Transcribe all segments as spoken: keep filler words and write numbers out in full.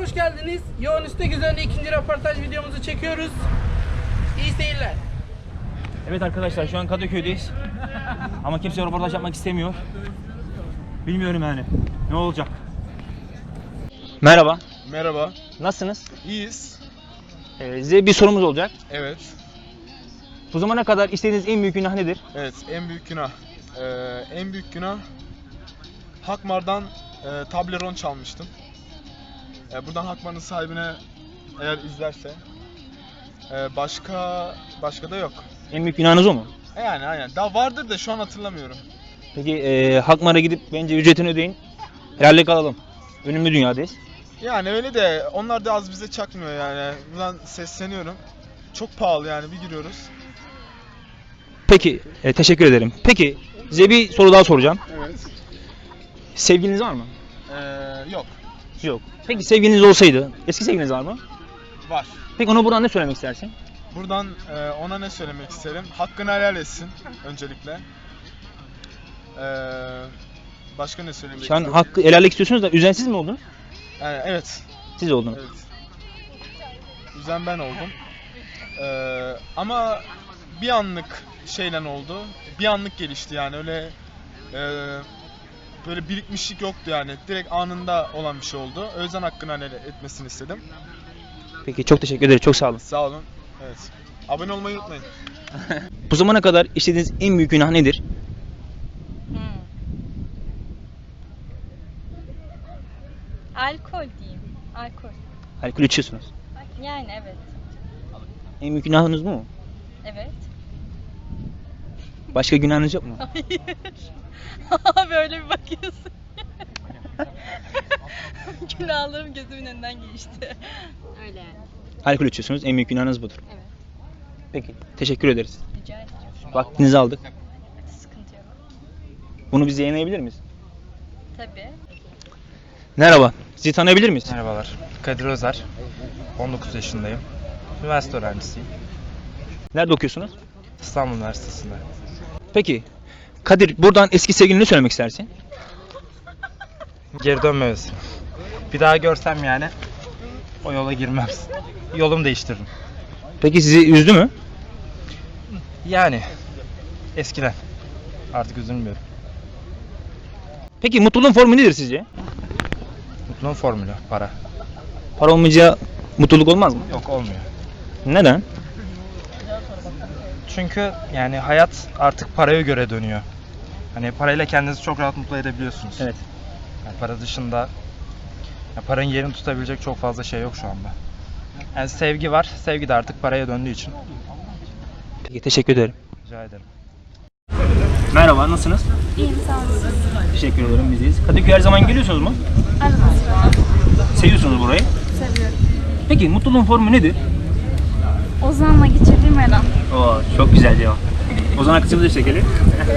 hoş geldiniz. Yoğun istek üzerine ikinci röportaj videomuzu çekiyoruz. İyi seyirler. Evet arkadaşlar, şu an Kadıköy'deyiz. Ama kimse röportaj yapmak istemiyor. Bilmiyorum yani. Ne olacak? Merhaba. Merhaba. Nasılsınız? İyiyiz. Ee, size bir sorumuz olacak. Evet. Bu zamana kadar istediğiniz en büyük günah nedir? Evet, en büyük günah. Ee, en büyük günah Hakmar'dan e, Toblerone çalmıştım. E, buradan Hakmar'ın sahibine eğer izlerse e, başka başka da yok. En büyük günahınız o mu? E, yani aynen. Daha vardır da şu an hatırlamıyorum. Peki e, Hakmar'a gidip bence ücretini ödeyin. Helallik alalım. Ölümlü dünyadayız. Yani öyle de onlar da az bize çakmıyor yani. Buradan sesleniyorum. Çok pahalı yani, bir giriyoruz. Peki, e, teşekkür ederim. Peki, size bir soru daha soracağım. Evet. Sevgiliniz var mı? Ee, yok. Yok. Peki sevgiliniz olsaydı, eski sevgiliniz var mı? Var. Peki ona buradan ne söylemek istersin? Buradan e, ona ne söylemek isterim? Hakkını helal etsin öncelikle. Ee, başka ne söylemek Şu an isterim? hakkı helallik istiyorsunuz da üzensiz mi oldunuz? Yani, evet. Siz oldunuz. Evet. Üzen ben oldum. Ee, ama bir anlık şeyle oldu. Bir anlık gelişti yani, öyle e, böyle birikmişlik yoktu yani. Direkt anında olan bir şey oldu. O yüzden hakkını helal etmesini istedim. Peki, çok teşekkür ederim. Çok sağ olun. Sağ olun. Evet. Abone olmayı unutmayın. Bu zamana kadar işlediğiniz en büyük günah nedir? Hmm. Alkol diyeyim. Alkol. Alkol içiyorsunuz. Yani evet. En büyük günahınız bu mu? Evet. Başka günahınız yok mu? Hayır. Böyle bir bakıyorsun. Günahlarım gözümün önünden geçti. Öyle yani. Alkol içiyorsunuz. En büyük günahınız budur. Evet. Peki. Teşekkür ederiz. Rica ederim. Vaktinizi aldık. Sıkıntı yok. Bunu biz yayınlayabilir miyiz? Tabii. Merhaba. Sizi tanıyabilir miyiz? Merhabalar, Kadir Özer, on dokuz yaşındayım. Üniversite öğrencisiyim. Nerede okuyorsunuz? İstanbul Üniversitesi'nde. Peki. Kadir, buradan eski sevgiline ne söylemek istersin? Geri dönmemesi. Bir daha görsem yani o yola girmem. Yolumu değiştiririm. Peki sizi üzdü mü? Yani eskiden. Artık üzülmüyorum. Peki mutluluğun formu nedir sizce? Mutluluğun formülü, para. Para olmayınca mutluluk olmaz mı? Yok, olmuyor. Neden? Çünkü yani hayat artık paraya göre dönüyor. Hani parayla kendinizi çok rahat mutlu edebiliyorsunuz. Evet. Yani para dışında ya paranın yerini tutabilecek çok fazla şey yok şu anda. Yani sevgi var. Sevgi de artık paraya döndüğü için. Peki, teşekkür ederim. Rica ederim. Merhaba, nasılsınız? İyiyim, sağ olun. Teşekkür ederim, biziz. Kadıköy her zaman geliyorsunuz mu? Arada sırada Seviyorsunuz burayı. seviyorum. Peki mutluluğun formu nedir? Ozan'la geçirdiğim her an. Oo, çok güzel cevap. O zaman kısmımızı çekelim.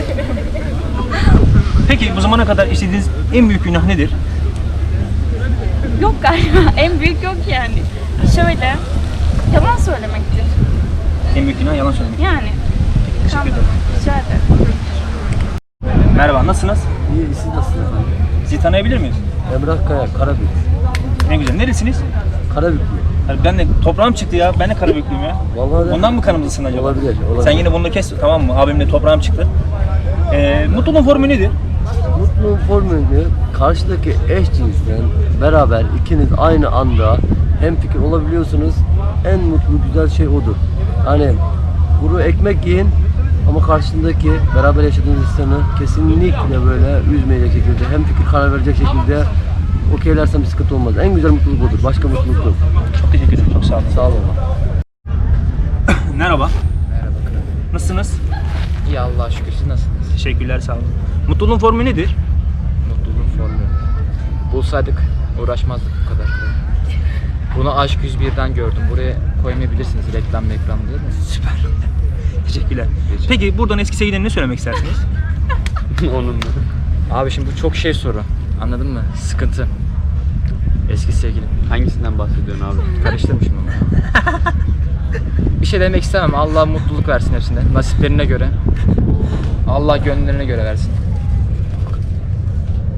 Peki bu zamana kadar işlediğiniz en büyük günah nedir? Yok galiba, en büyük yok yani. Şöyle, yalan söylemektir. En büyük günah yalan söylemek. Yani. Teşekkür ederim. Rica ederim. Merhaba, nasılsınız? İyi, siz nasılsınız efendim? Sizi tanıyabilir miyiz? Emrah Kaya, Karabük. Ne güzel. Neresiniz? Karabük. Yani ben de toprağım çıktı ya. Ben de Karabüklüyüm ya. Vallahi de- Ondan mı kanımızsın acaba? Olabilir, olabilir. Sen yine bunu kes, tamam mı? Abimle toprağım çıktı. Ee, mutluluğun formu nedir? Mutluluğun formülü karşıdaki eş cinsten beraber ikiniz aynı anda hemfikir olabiliyorsunuz. En mutlu, güzel şey odur. Hani kuru ekmek yiyin ama karşındaki beraber yaşadığınız insanı kesinlikle böyle üzmeyecek şekilde, hemfikir karar verecek şekilde okeylersen bir sıkıntı olmaz. En güzel mutluluk odur. Başka mutluluk yok. Çok teşekkür ederim. Çok sağ olun. Sağ olun. Merhaba. Merhaba kral. Nasılsınız? İyi Allah'a şükür, siz nasılsınız? Teşekkürler, sağ olun. Mutluluğun formu nedir? Mutluluğun formülü. Bulsaydık uğraşmazdık bu kadar. Bunu Aşk yüz birden gördüm. Buraya koymayabilirsiniz reklam reklam değil mi? Süper. Teşekkürler. Rica Peki buradan eski sevgiline ne söylemek istersiniz? Onun da. Abi şimdi bu çok şey soru. Anladın mı? Sıkıntı. Eski sevgilim. Hangisinden bahsediyorsun abi? Karıştırmışım ama. Bir şey demek istemem. Allah mutluluk versin hepsine. Nasiplerine göre. Allah gönüllerine göre versin.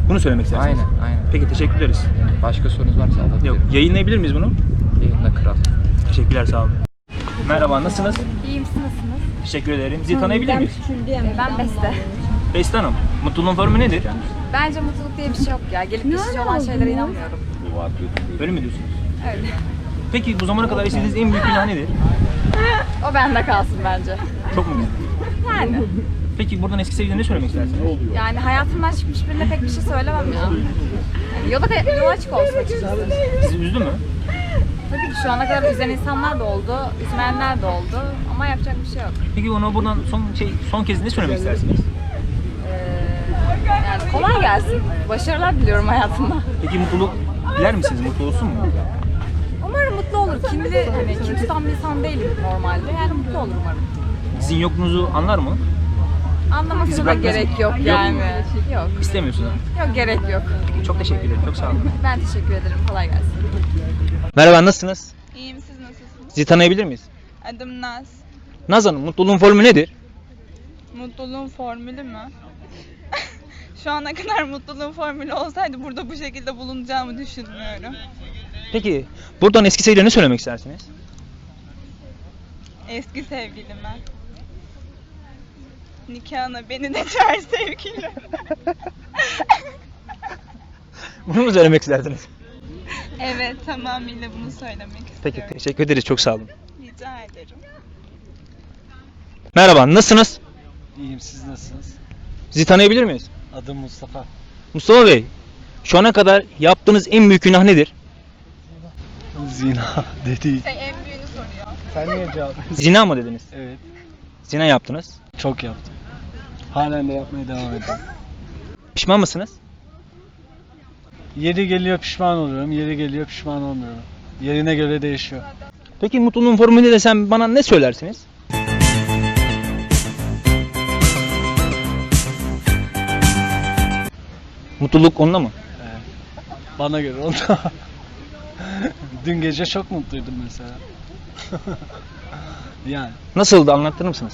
Bunu söylemek istersiniz. Aynen, aynen. Peki teşekkür ederiz. Başka sorunuz varsa Yok, alabilirim. yayınlayabilir miyiz bunu? Yayında kral. Teşekkürler, sağ olun. Merhaba, nasılsınız? İyiyim, siz nasılsınız? Teşekkür ederim. Sizi tanıyabilir miyiz? Ben Beste. Beste Hanım, mutluluğun formu nedir? Bence mutluluk diye bir şey yok ya. Gelip geçici olan şeylere inanmıyorum. Öyle mi diyorsunuz? Öyle. Peki bu zamana kadar istediğiniz en büyük günah nedir? O bende kalsın bence. Çok mu güzel? Yani. Peki buradan eski sevgilinize ne söylemek istersiniz? Yani hayatımdan çıkmış birine pek bir şey söylemem ya. Yani yola, yola açık olsun açıkçası. Sizi üzdü mü? Tabii ki şu ana kadar üzen insanlar da oldu, üzmeyenler de oldu ama yapacak bir şey yok. Peki ona buradan son şey son kez ne söylemek istersiniz? Ee, yani kolay gelsin. Başarılar diliyorum hayatımda. Peki mutluluk diler misiniz? Mutlu olsun mu? Umarım mutlu olur. Kimli, hani kim tutan bir insan değilim normalde. Yani mutlu olur umarım. Sizin yokluğunuzu anlar mı? Anlamasına da bırakmaz gerek mı? yok Yok. yani. Yok. İstemiyorsunuz. Yok, gerek yok. Çok teşekkür ederim. Çok sağ olun. Ben teşekkür ederim. Kolay gelsin. Merhaba, nasılsınız? İyiyim, siz nasılsınız? Sizi tanıyabilir miyiz? Adım Naz. Naz Hanım, mutluluğun formu nedir? Mutluluğun formülü mü? Şu ana kadar mutluluğun formülü olsaydı burada bu şekilde bulunacağımı düşünmüyorum. Peki buradan eski sevgilinize ne söylemek istersiniz? Eski sevgilime. Nikahına beni de çağır sevgilim. Bunu mu söylemek isterdiniz? Evet, tamamıyla bunu söylemek istiyorum. Peki, teşekkür ederiz. Çok sağ olun. Rica ederim. Merhaba, nasılsınız? İyiyim, siz nasılsınız? Sizi tanıyabilir miyiz? Adım Mustafa. Mustafa Bey, şu ana kadar yaptığınız en büyük günah nedir? Zina dedi. Sen en büyüğünü soruyor. Sen niye cevap? Zina mı dediniz? Evet, Zina yaptınız. çok yaptım. Halen de yapmaya devam ediyorum. Pişman mısınız? Yeri geliyor pişman oluyorum, yeri geliyor pişman olmuyorum. Yerine göre değişiyor. Peki mutluluğun formülü desem bana ne söylersiniz? Mutluluk onda mı? Evet. Bana göre onda. Dün gece çok mutluydum mesela. Yani Nasıldı, anlatır mısınız?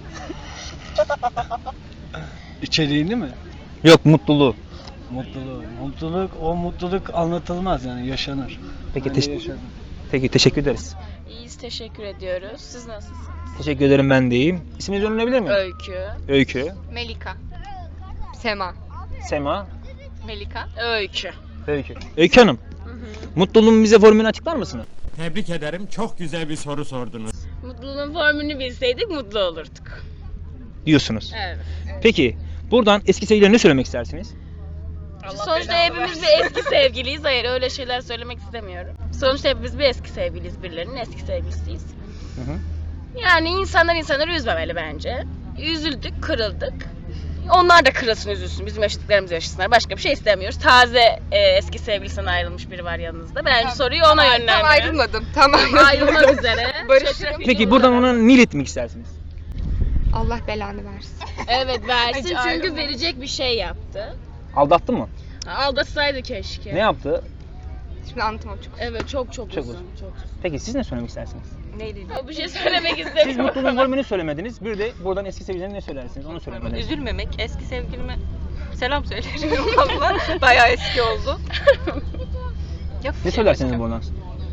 içeriğini mi? Yok, mutluluğu. Mutluluk. Mutluluk, o mutluluk anlatılmaz yani yaşanır. Peki, Ben de teş- yaşadım. Peki teşekkür ederiz. İyiyiz, teşekkür ediyoruz. Siz nasılsınız? Teşekkür ederim, ben de iyiyim. İsminizi öğrenebilir miyim? Öykü. Öykü. Melika. Sema. Sema. Melika. Öykü. Öykü. Öykü Hanım. Mutluluğun bize formülünü açıklar mısınız? Tebrik ederim. Çok güzel bir soru sordunuz. Mutluluğun formülünü bilseydik mutlu olurduk. Diyorsunuz. Evet. Peki buradan eski sevgililerine ne söylemek istersiniz? Sonuçta hepimiz bir eski sevgiliyiz. Hayır, öyle şeyler söylemek istemiyorum. Sonuçta hepimiz bir eski sevgiliyiz. Birilerinin eski sevgilisiyiz. Hı hı. Yani insanlar insanları üzmemeli bence. Üzüldük, kırıldık. Onlar da kırılsın, üzülsün. Bizim yaşadıklarımızı yaşasınlar. Başka bir şey istemiyoruz. Taze e, eski sevgilisinden ayrılmış biri var yanınızda. Bence soruyu ona yönlendiriyorum. Tam ayrılmadım. Tam Ayrılmak üzere. Barışırım. Peki buradan ona ne iletmek istersiniz? Allah belanı versin. Evet, versin Hiç çünkü ayrılmadım. verecek bir şey yaptı. Aldattı mı? Aldatsaydı keşke. Ne yaptı? Şimdi anlatamam çok. Evet, çok çok, Çok uzun. uzun. Çok uzun. Peki siz ne söylemek istersiniz? Neydi? O bir şey söylemek Siz istemiyorum. mutluluğun formülünü söylemediniz. Bir de buradan eski sevgililerine ne söylersiniz? Onu söylemediniz. Üzülmemek, eski sevgilime selam söylerim valla. Bayağı eski oldu. Ne söylersiniz buradan?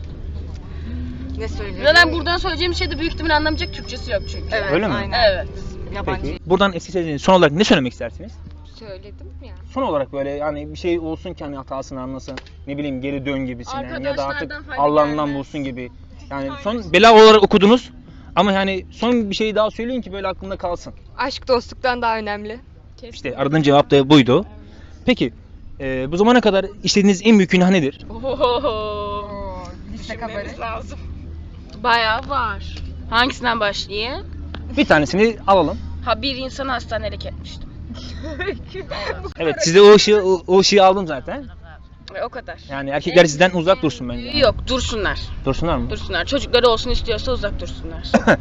Ne söyleyeyim? Zaten buradan söyleyeceğim şey de büyük ihtimalle anlamayacak Türkçesi yok çünkü. Evet, Öyle mi? aynen. Evet. Yabancı Peki buradan eski sevgililerine son olarak ne söylemek istersiniz? söyledim ya. Son olarak böyle yani bir şey olsun ki hani hatasını anlasın. Ne bileyim geri dön gibisinden ya da artık Arkadaşlardan fayda Allah'ından gelmez. bulsun gibi. Yani son bela olarak okudunuz. Ama yani son bir şey daha söyleyin ki böyle aklımda kalsın. Aşk dostluktan daha önemli. İşte aradığın cevap da buydu. Peki e, bu zamana kadar işlediğiniz en büyük günah nedir? Ohoho. Düşünmemiz lazım. Bayağı var. Hangisinden başlayayım? Bir tanesini alalım. Ha, bir insan hastanelik etmiştim. Evet, size o ışığı o, o ışığı aldım zaten. Ve o kadar. Yani erkekler sizden uzak dursun bence. Yok, dursunlar. Dursunlar mı? Dursunlar. Çocukları olsun istiyorsa uzak dursunlar.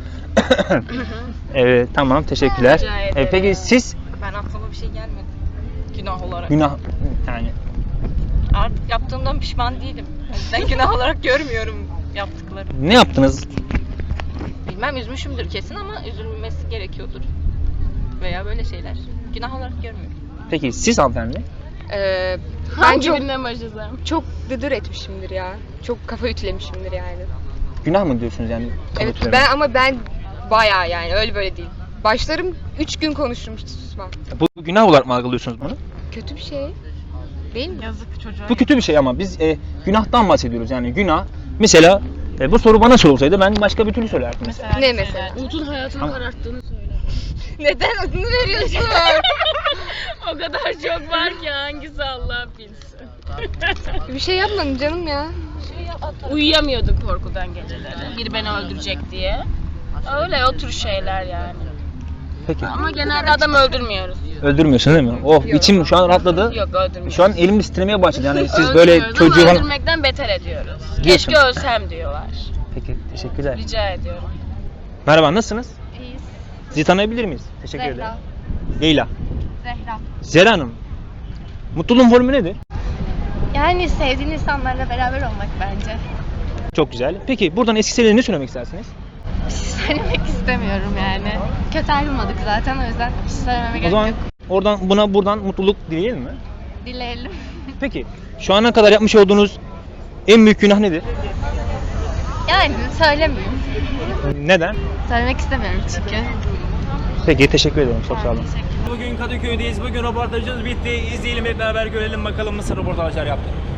Evet, tamam, teşekkürler. Rica E, ederim. peki siz Ben aklıma bir şey gelmedi. Günah olarak. günah yani Artık yaptığımdan pişman değilim. O yüzden günah olarak görmüyorum yaptıklarımı. ne yaptınız? Bilmem, üzmüşümdür kesin ama üzülmesi gerekiyordur. Veya böyle şeyler. Günah olarak görmüyorum. Peki siz hanımefendi? Ee, ben Hangi çok birinden başlasam? çok dıdır etmişimdir ya. Çok kafa ütülemişimdir yani. Günah mı diyorsunuz yani? Evet kalıpları? ben ama ben bayağı yani öyle böyle değil. Başlarım üç gün konuşurum hiç susmam. Bu günah olarak mı algılıyorsunuz bunu? Kötü bir şey. Değil mi? Yazık çocuğa. Bu kötü bir şey ama biz e, günahtan bahsediyoruz yani günah. Mesela e, bu soru bana sorulsaydı ben başka bir türlü söylerdim mesela. Ne mesela? Umut'un hayatını Ama- kararttığını söyle. Neden adını veriyorsun? O kadar çok var ki hangisi Allah bilsin. Bir şey yapmadım canım ya. Uyuyamıyorduk korkudan geceleri. Biri beni öldürecek diye. Öyle o tür şeyler yani. Peki. Ama genelde adam öldürmüyoruz. Öldürmüyorsun değil mi? Oh içim şu an rahatladı. Yok öldürmüyoruz. Şu an elim titremeye başladı yani siz böyle Öldürmüyoruz çocuğu ama falan... öldürmekten beter ediyoruz. Diyorsun. Keşke ölsem diyorlar. Peki teşekkürler. Rica ediyorum. Merhaba nasılsınız? İyiyiz. Sizi tanıyabilir miyiz? Teşekkür Zehra. ederim. Leyla. Zehra. Zehra Hanım. Mutluluğun formülü nedir? Yani sevdiğin insanlarla beraber olmak bence. Çok güzel. Peki buradan eski sevgilinize ne söylemek istersiniz? Bir şey söylemek istemiyorum yani. Kötü ayrılmadık zaten o yüzden bir şey söylememe O gerek zaman yok. oradan buna buradan mutluluk dileyelim mi? Dileyelim. Peki şu ana kadar yapmış olduğunuz en büyük günah nedir? Yani söylemeyeyim. Neden? Söylemek istemiyorum çünkü. Peki teşekkür ederim. Çok sağ olun. Bugün Kadıköy'deyiz. Bugün röportajımız bitti. İzleyelim hep beraber görelim bakalım nasıl röportajlar yaptık.